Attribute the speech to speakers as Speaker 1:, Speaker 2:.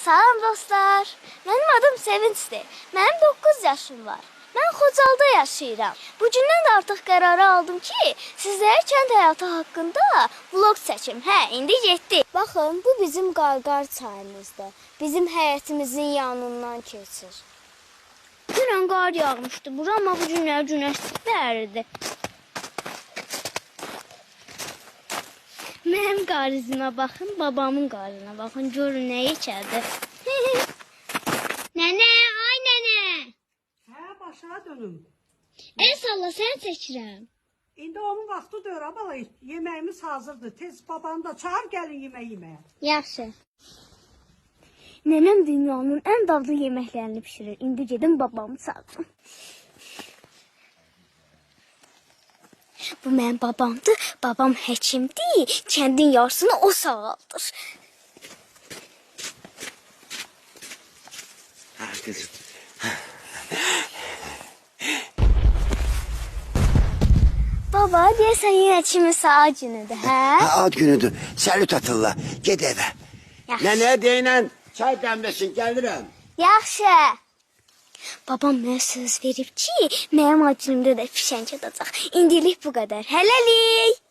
Speaker 1: Salam dostlar. Mənim adım Sevinçdir. Mənim 9 yaşım var. Mən Xocalda yaşayıram. Bugündən də artıq qərarı aldım ki, sizlərə kənd həyatı haqqında vlog çəkim. Hə, indi getdik. Baxın, bu bizim Qarqar çayımızdır. Bizim həyətimizin yanından keçir. Dünən qar yağmışdı bura, amma bu günlər günəş çıxdı. Mənim qarızıma baxın, babamın qarızına baxın, görün nə içədir. Nənə, ay nənə.
Speaker 2: Hə, başına dönüm.
Speaker 1: El salla, sən çəkirəm.
Speaker 2: İndi onun vaxtı deyir, abala, yeməyimiz hazırdır. Tez babanı da çağır, gəlin yemək yeməyə.
Speaker 1: Yaxşı. Nənəm dünyanın ən dadlı yeməklərini pişirir. İndi gedim babamı çağırım. Bu mənim babamdır. Babam həkimdir. Kəndin yarısını o sağaldır.
Speaker 3: Kızım.
Speaker 1: Baba, deyəsən yenə kimi saat günüdür, hə?
Speaker 3: Ad günüdür. Səlüt atırlar. Ged evə.
Speaker 1: Yaxşı.
Speaker 3: Nənə deyinən çay dəmləsin, gəlirəm.
Speaker 1: Yaxşı. Babam mənə söz verib ki, mənim ad günümdə də fişəng atacaq. İndilik bu qədər. Hələlik.